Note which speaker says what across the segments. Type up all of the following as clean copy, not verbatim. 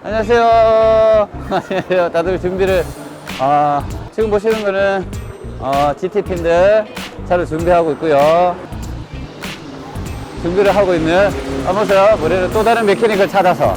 Speaker 1: 안녕하세요. 안녕하세요. 다들 준비를, 지금 보시는 거는, GT팀들 차를 준비하고 있고요. 준비를 하고 있는, 보세요. 우리는 또 다른 메케닉을 찾아서.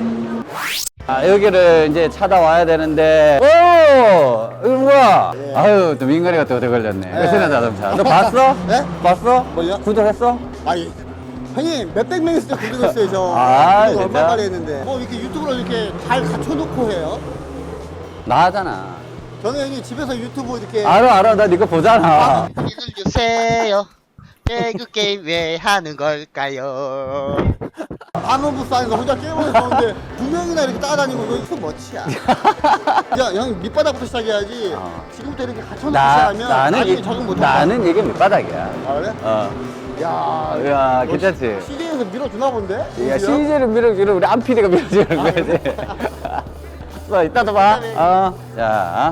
Speaker 1: 여기를 이제 찾아와야 되는데, 오! 이거 뭐야?
Speaker 2: 예.
Speaker 1: 아유, 또 민간이가 또 얻어 걸렸네.
Speaker 2: 예.
Speaker 1: 베트남 자동차. 너 봤어?
Speaker 2: 네?
Speaker 1: 봤어?
Speaker 2: 뭘요?
Speaker 1: 구독했어?
Speaker 2: 아니 형님 몇백 명 있을 때 구독했어요 저.
Speaker 1: 아,
Speaker 2: 구독
Speaker 1: 진짜?
Speaker 2: 얼마 만에 했는데 뭐 이렇게 유튜브를 이렇게 잘 갖춰놓고 해요?
Speaker 1: 나 하잖아.
Speaker 2: 저는 형님 집에서 유튜브 이렇게
Speaker 1: 알아. 나 니거 보잖아.
Speaker 3: 이들 주세요. 배그 게임 왜 하는 걸까요?
Speaker 2: 반원부스 안에서 혼자 게임을 하는데 두 명이나 이렇게 따라다니고 이거 무슨 멋이야. 야 형님 밑바닥부터 시작해야지. 지금부터 이렇게 갖춰놓고 시작하면 나중에 적응 못한다.
Speaker 1: 나는 이게 밑바닥이야.
Speaker 2: 아 그래?
Speaker 1: 야, 괜찮지?
Speaker 2: CJ에서 밀어주나 본데?
Speaker 1: 야, CJ를 밀어주는 우리 안 PD가 밀어주는 거지. 너 이따도 봐. 자.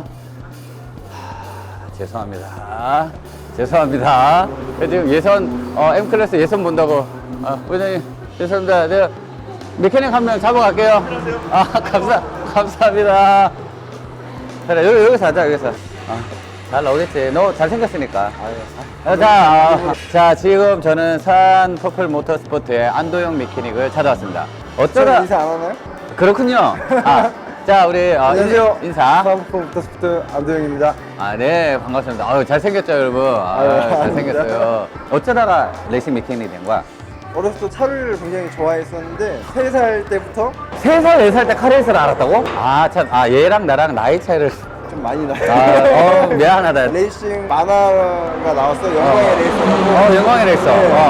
Speaker 1: 죄송합니다. 지금 예선, M클래스 예선 본다고. 부장님, 죄송합니다. 내가 메케닉 한 명 잡아갈게요. 감사합니다. 그래, 여기서 하자, 여기서. 잘 나오겠지. 너 잘생겼으니까. 자, 지금 저는 산 퍼플 모터스포츠의 안도영 메케닉을 찾아왔습니다. 어쩌다.
Speaker 4: 인사 안 하나요?
Speaker 1: 그렇군요. 자, 우리,
Speaker 4: 안녕하세요.
Speaker 1: 인사.
Speaker 4: 사업부 모터스포츠 안도영입니다.
Speaker 1: 네, 반갑습니다. 아유, 잘생겼죠, 여러분. 잘생겼어요. 어쩌다가 레이싱 메케닉이 된 거야?
Speaker 4: 어렸을 때 차를 굉장히 좋아했었는데 3살 때부터
Speaker 1: 3살, 4살 때 카레이스를 알았다고? 참, 얘랑 나랑 나이 차이를.
Speaker 4: 좀 많이 나요.
Speaker 1: 미안하다.
Speaker 4: 레이싱 만화가 나왔어. 영광의 레이서라고.
Speaker 1: 영광의 레이서.
Speaker 4: 네.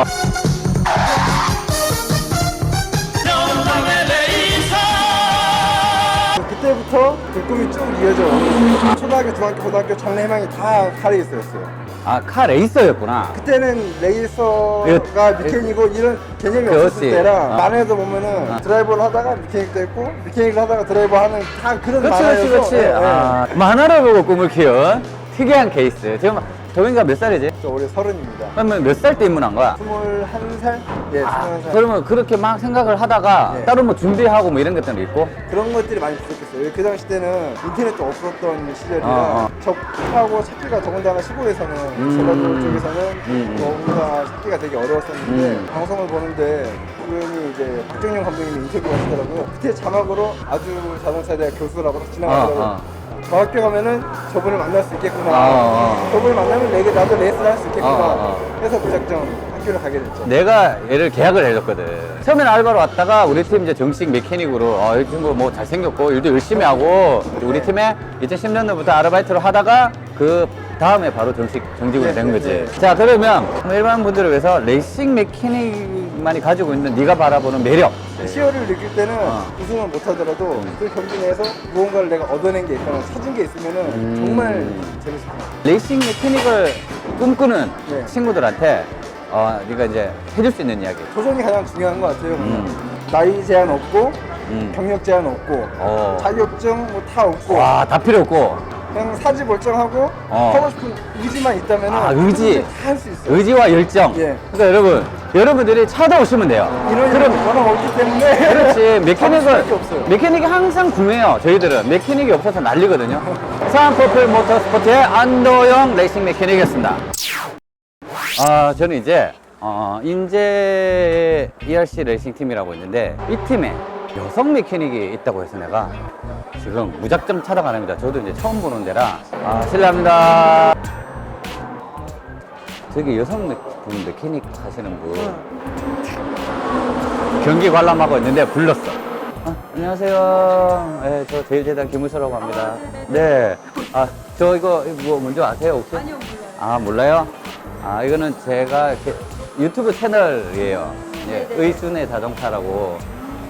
Speaker 4: 그때부터 그 꿈이 쭉 이어져 오고 초등학교, 중학교, 고등학교 장래 희망이 다 카레이서였어요.
Speaker 1: 카레이서였구나.
Speaker 4: 그때는 레이서가
Speaker 1: 이거-
Speaker 4: 미케닉이고 이런 개념이
Speaker 1: 그렇지.
Speaker 4: 없었을 때라 만화에도 보면은 드라이버를 하다가 미케닉도 했고 미케닉을 하다가 드라이버 하는 다 그런 만화여서
Speaker 1: 그렇지.
Speaker 4: 예, 예.
Speaker 1: 만화를 보고 꿈을 키운 특이한 케이스. 지금 도민이가 몇 살이지?
Speaker 4: 저 올해 30입니다.
Speaker 1: 그러면 몇 살 때 입문한 거야?
Speaker 4: 21살? 예, 21살.
Speaker 1: 그러면 그렇게 막 생각을 하다가
Speaker 4: 네.
Speaker 1: 따로 뭐 준비하고 뭐 이런 것들도 있고?
Speaker 4: 그런 것들이 많이 부족했어요. 그 당시 때는 인터넷도 없었던 시절이라
Speaker 1: 어.
Speaker 4: 접하고 찾기가 더군다나 시골에서는 전라도 쪽에서는 너무나 찾기가 되게 어려웠었는데 방송을 보는데 그분이 이제 박정영 감독님이 인터뷰 하시더라고요. 밑에 자막으로 아주 자동차대학 교수라고 딱 지나가더라고요. 대학교 가면은 저분을 만날 수 있겠구나. 저분을 만나면 나도 레이스를 할 수 있겠구나. 그래서 무작정 학교를 가게 됐죠.
Speaker 1: 내가 얘를 계약을 해줬거든. 처음에는 알바로 왔다가 우리 팀 이제 정식 메케닉으로 이 친구 뭐 잘생겼고 일도 열심히 하고 우리 팀에 2010년도부터 아르바이트를 하다가 그 다음에 바로 정직원이 된 거지. 자, 그러면 일반 분들을 위해서 레이싱 메케닉만이 가지고 있는 네가 바라보는 매력.
Speaker 4: 시어를 느낄 때는 우승을 못하더라도 그 경기 내에서 무언가를 내가 얻어낸 게 있거나 찾은 게 있으면은 정말 재밌을 것 같아요.
Speaker 1: 레이싱 메케닉을 꿈꾸는
Speaker 4: 네.
Speaker 1: 친구들한테 네가 이제 해줄 수 있는 이야기.
Speaker 4: 도전이 가장 중요한 것 같아요. 나이 제한 없고 경력 제한 없고 자격증 뭐 다 없고
Speaker 1: 와, 다 필요 없고
Speaker 4: 그냥 사지 멀쩡하고 하고 싶은 의지만 있다면
Speaker 1: 의지.
Speaker 4: 다 할 수 있어요.
Speaker 1: 의지와 열정.
Speaker 4: 예.
Speaker 1: 그러니까 여러분들이 찾아오시면 돼요.
Speaker 4: 인원이 워낙 없기 때문에
Speaker 1: 그렇지.
Speaker 4: 수밖에 없어요.
Speaker 1: 메케닉이 항상 구매해요. 저희들은 메케닉이 없어서 난리거든요. 산퍼플 모터스포츠의 안도영 레이싱 메케닉이었습니다. 저는 이제 인제 ERC 레이싱 팀이라고 있는데 이 팀에 여성 메케닉이 있다고 해서 내가 지금 무작정 찾아가랍니다. 저도 이제 처음 보는 데라 실례합니다. 저기 여성 메케닉 하시는 분 경기 관람하고 있는데 불렀어. 안녕하세요. 네, 저 제일재단 김우서라고 합니다. 네. 저 이거 뭐 뭔지 아세요 혹시?
Speaker 5: 아니요, 몰라요.
Speaker 1: 몰라요? 이거는 제가 이렇게 유튜브 채널이에요. 예,
Speaker 5: 네네.
Speaker 1: 의순의 자동차라고.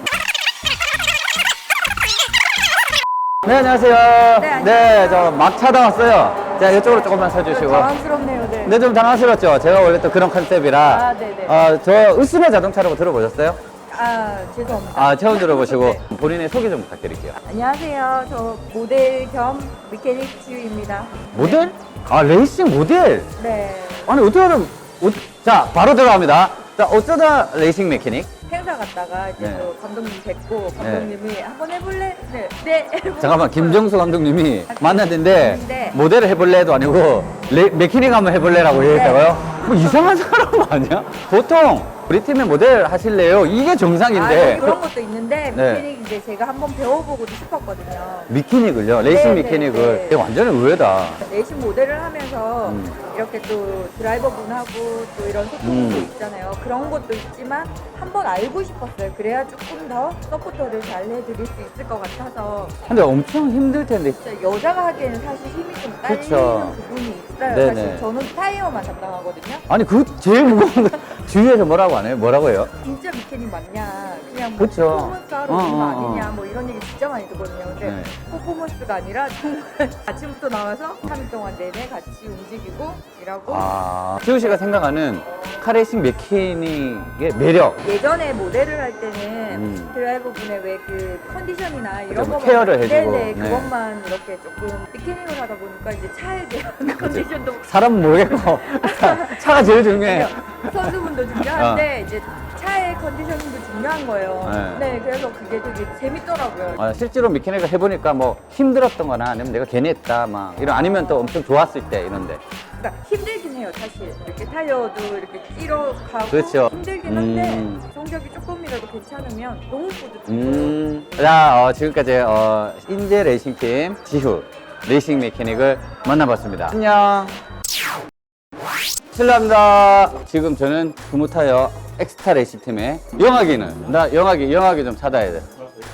Speaker 1: 네, 안녕하세요.
Speaker 5: 안녕하세요.
Speaker 1: 저 막 찾아왔어요. 자, 이쪽으로 조금만 서주시고.
Speaker 5: 당황스럽네요, 네.
Speaker 1: 네, 좀 당황스럽죠? 제가 원래 또 그런 컨셉이라.
Speaker 5: 네네.
Speaker 1: 저 의순의 자동차라고 들어보셨어요?
Speaker 5: 죄송합니다.
Speaker 1: 처음 들어보시고.
Speaker 5: 네.
Speaker 1: 본인의 소개 좀 부탁드릴게요.
Speaker 5: 안녕하세요. 저 모델 겸 메케닉 주입니다.
Speaker 1: 모델? 레이싱 모델?
Speaker 5: 네.
Speaker 1: 아니, 어떻게 하면, 자, 바로 들어갑니다. 자, 어쩌다 레이싱 메케닉?
Speaker 5: 행사 갔다가 이제
Speaker 1: 네.
Speaker 5: 또 감독님 뵙고 감독님이 한번 해볼래? 네.
Speaker 1: 잠깐만, 김정수 감독님이 만났는데
Speaker 5: 네.
Speaker 1: 모델을 해볼래도 아니고 메케닉 한번 해볼래라고 얘기했다고요? 뭐 이상한 사람 아니야? 보통 우리 팀에 모델 하실래요? 이게 정상인데.
Speaker 5: 아, 그런 것도 있는데
Speaker 1: 네.
Speaker 5: 미케닉 이제 제가 한번 배워보고도 싶었거든요.
Speaker 1: 미케닉을요? 레이싱
Speaker 5: 네,
Speaker 1: 미케닉을.
Speaker 5: 네, 네.
Speaker 1: 이게 완전 의외다.
Speaker 5: 레이싱 모델을 하면서
Speaker 1: 음.
Speaker 5: 이렇게 또 드라이버분하고 또 이런 소통도 있잖아요. 그런 것도 있지만 한번 알고 싶었어요. 그래야 조금 더 서포터를 잘 해드릴 수 있을 것 같아서.
Speaker 1: 근데 엄청 힘들 텐데.
Speaker 5: 진짜 여자가 하기에는 사실 힘이 좀 딸리는
Speaker 1: 그쵸.
Speaker 5: 부분이 있어요.
Speaker 1: 네네.
Speaker 5: 사실 저는 타이어만 담당하거든요.
Speaker 1: 아니, 그 제일 무거운 거 주위에서 뭐라고 안 해요? 뭐라고 해요?
Speaker 5: 진짜 미케닉 맞냐? 그냥 뭐
Speaker 1: 그쵸.
Speaker 5: 퍼포먼스 하러 오는 거
Speaker 1: 어.
Speaker 5: 아니냐? 뭐 이런 얘기 진짜 많이 듣거든요. 근데
Speaker 1: 네.
Speaker 5: 퍼포먼스가 아니라 정말 아침부터 나와서 3일 동안 내내 같이 움직이고 일하고.
Speaker 1: 아, 지우 씨가 생각하는 카레이싱 메케닉의 매력.
Speaker 5: 예전에 모델을 할 때는 드라이버분의 왜 그 컨디션이나 이런
Speaker 1: 그죠, 뭐
Speaker 5: 것만
Speaker 1: 케어를 해주고.
Speaker 5: 네네,
Speaker 1: 네.
Speaker 5: 그것만 이렇게 조금 미케닉을 하다 보니까 이제 차에 대한 컨디션도
Speaker 1: 사람 모르겠고 차가 제일 중요해.
Speaker 5: 선수분도 중요한데 이제 차의 컨디션도 중요한 거예요.
Speaker 1: 네.
Speaker 5: 네, 그래서 그게 되게 재밌더라고요.
Speaker 1: 실제로 미케닉을 해보니까 뭐 힘들었던 거나 아니면 내가 괜히 했다 막 이런 아니면 또 엄청 좋았을 때 이런데.
Speaker 5: 그러니까 힘들긴 해요, 사실. 이렇게 타이어도 이렇게 끼러가고
Speaker 1: 그렇죠.
Speaker 5: 힘들긴 한데 성적이 조금이라도 괜찮으면 너무 뿌듯해요.
Speaker 1: 자, 지금까지 인제 레이싱팀 지후 레이싱 메케닉을 만나봤습니다. 안녕. 실례합니다. 지금 저는 금호타이어 엑스타 레이싱팀의 영학이는 나 영학이 좀 찾아야 돼.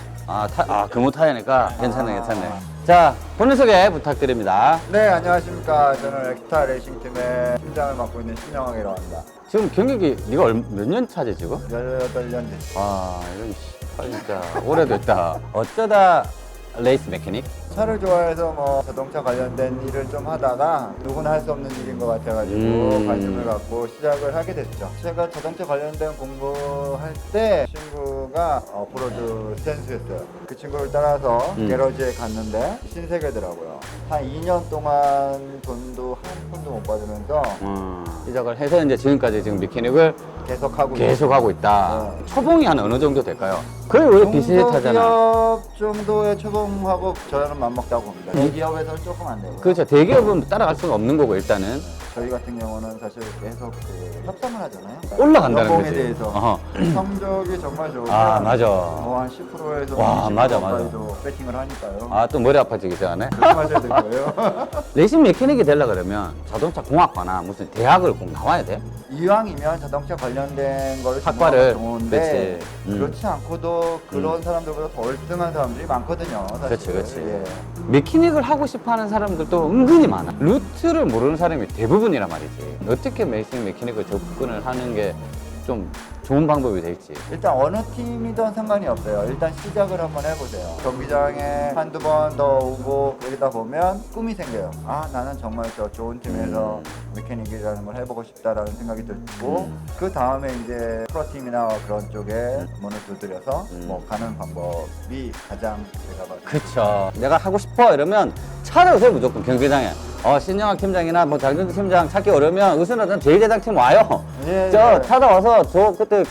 Speaker 1: 금호타이어니까 괜찮네. 자, 본인 소개 부탁드립니다.
Speaker 4: 네, 안녕하십니까. 저는 엑스타 레이싱 팀의 팀장을 맡고 있는 신영학이라고 합니다.
Speaker 1: 지금 경력이 네가 몇 년 차지 지금?
Speaker 4: 18년 됐습니다.
Speaker 1: 이런 진짜 오래됐다. 어쩌다 레이스 메케닉?
Speaker 4: 차를 좋아해서 뭐 자동차 관련된 일을 좀 하다가 누구나 할 수 없는 일인 것 같아가지고 관심을 갖고 시작을 하게 됐죠. 제가 자동차 관련된 공부할 때 친구가 오프로드 선수였어요. 그 친구를 따라서 게러지에 갔는데 신세계더라고요. 한 2년 동안 돈도 한 푼도 못 받으면서
Speaker 1: 시작을 해서 이제 지금까지 지금 메케닉을 계속 하고 있다. 초봉이 한 어느 정도 될까요? 거의 원래 비슷하잖아.
Speaker 4: 중소기업 정도의 초봉하고 저는 맞먹다고 봅니다. 대기업에서는 조금 안 되고요.
Speaker 1: 그렇죠. 대기업은 따라갈 수가 없는 거고 일단은
Speaker 4: 저희 같은 경우는 사실 계속 협상을 하잖아요.
Speaker 1: 올라간다는
Speaker 4: 연봉에
Speaker 1: 거지.
Speaker 4: 대해서
Speaker 1: 어허.
Speaker 4: 성적이 정말 좋으면
Speaker 1: 맞아.
Speaker 4: 한 10%에서
Speaker 1: 와, 맞아.
Speaker 4: 20%까지도 배팅을 하니까요.
Speaker 1: 또 머리 아파지기 전에.
Speaker 4: 조심하셔야 될 거예요.
Speaker 1: 레이싱 메케닉이 되려 그러면 자동차 공학과나 무슨 대학을 꼭 나와야 돼?
Speaker 4: 이왕이면 자동차 관련된 거를
Speaker 1: 학과를,
Speaker 4: 좋은데
Speaker 1: 그렇지.
Speaker 4: 그렇지 않고도 그런 사람들보다 더 월등한 사람들이 많거든요. 사실.
Speaker 1: 그렇지.
Speaker 4: 예.
Speaker 1: 메케닉을 하고 싶어하는 사람들도 은근히 많아. 루트를 모르는 사람이 대부분이란 말이지. 어떻게 레이싱 메케닉을 접근을 하는 게 좀 좋은 방법이 될지.
Speaker 4: 일단 어느 팀이든 상관이 없어요. 일단 시작을 한번 해보세요. 경기장에 한두 번 더 오고 그러다 보면 꿈이 생겨요. 나는 정말 저 좋은 팀에서 메케닉이라는 걸 해보고 싶다라는 생각이 들고 그 다음에 이제 프로팀이나 그런 쪽에 문을 두드려서 뭐 가는 방법이 가장 제가 봐도
Speaker 1: 그쵸. 내가 하고 싶어 이러면 찾아오세요 무조건 경기장에. 신영학 팀장이나 뭐 장준수 팀장 찾기 어려우면 으스나든 제1제작팀 와요.
Speaker 4: 예,
Speaker 1: 저
Speaker 4: 예.
Speaker 1: 찾아와서 저 그때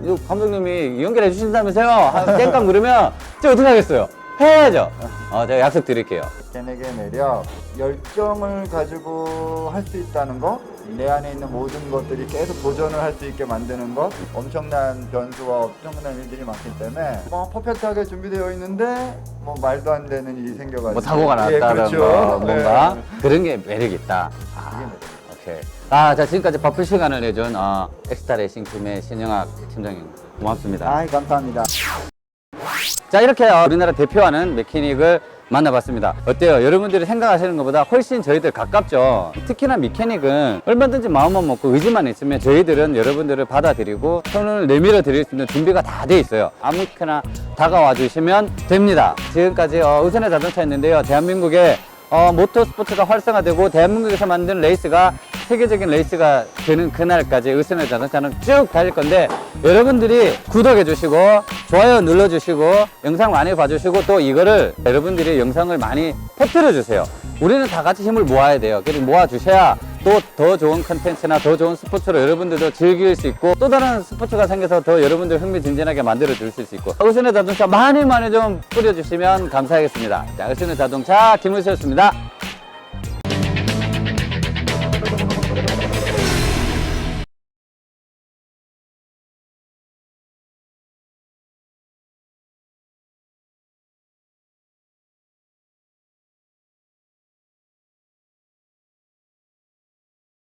Speaker 1: 감독님이 연결해 주신다면서요. 땡깡 그러면 저 어떻게 하겠어요? 해야죠. 제가 약속 드릴게요.
Speaker 4: 걔네의 매력, 열정을 가지고 할 수 있다는 거, 내 안에 있는 모든 것들이 계속 도전을 할 수 있게 만드는 것, 엄청난 변수와 엄청난 일들이 많기 때문에 뭐 퍼펙트하게 준비되어 있는데 뭐 말도 안 되는 일이 생겨가지고
Speaker 1: 뭐 사고가 났다든가
Speaker 4: 그렇죠.
Speaker 1: 뭔가
Speaker 4: 네.
Speaker 1: 그런 게 매력이 있다. 오케이. 자, 지금까지 바쁜 시간을 내준 엑스타 레이싱 팀의 신영학 팀장님 고맙습니다.
Speaker 4: 감사합니다.
Speaker 1: 자, 이렇게 우리나라 대표하는 메케닉을 만나봤습니다. 어때요? 여러분들이 생각하시는 것보다 훨씬 저희들 가깝죠? 특히나 메케닉은 얼마든지 마음만 먹고 의지만 있으면 저희들은 여러분들을 받아들이고 손을 내밀어 드릴 수 있는 준비가 다 돼 있어요. 아무렇게나 다가와 주시면 됩니다. 지금까지 우선의 자동차였는데요. 대한민국의 모터스포츠가 활성화되고 대한민국에서 만든 레이스가 세계적인 레이스가 되는 그날까지 의선의 자동차는 쭉 달릴 건데 여러분들이 구독해 주시고 좋아요 눌러 주시고 영상 많이 봐주시고 또 이거를 여러분들이 영상을 많이 퍼뜨려 주세요. 우리는 다 같이 힘을 모아야 돼요. 그래서 모아 주셔야 또 더 좋은 컨텐츠나 더 좋은 스포츠로 여러분들도 즐길 수 있고 또 다른 스포츠가 생겨서 더 여러분들 흥미진진하게 만들어 줄 수 있고 의순의 자동차 많이 좀 뿌려주시면 감사하겠습니다. 자, 의순의 자동차 김의수였습니다.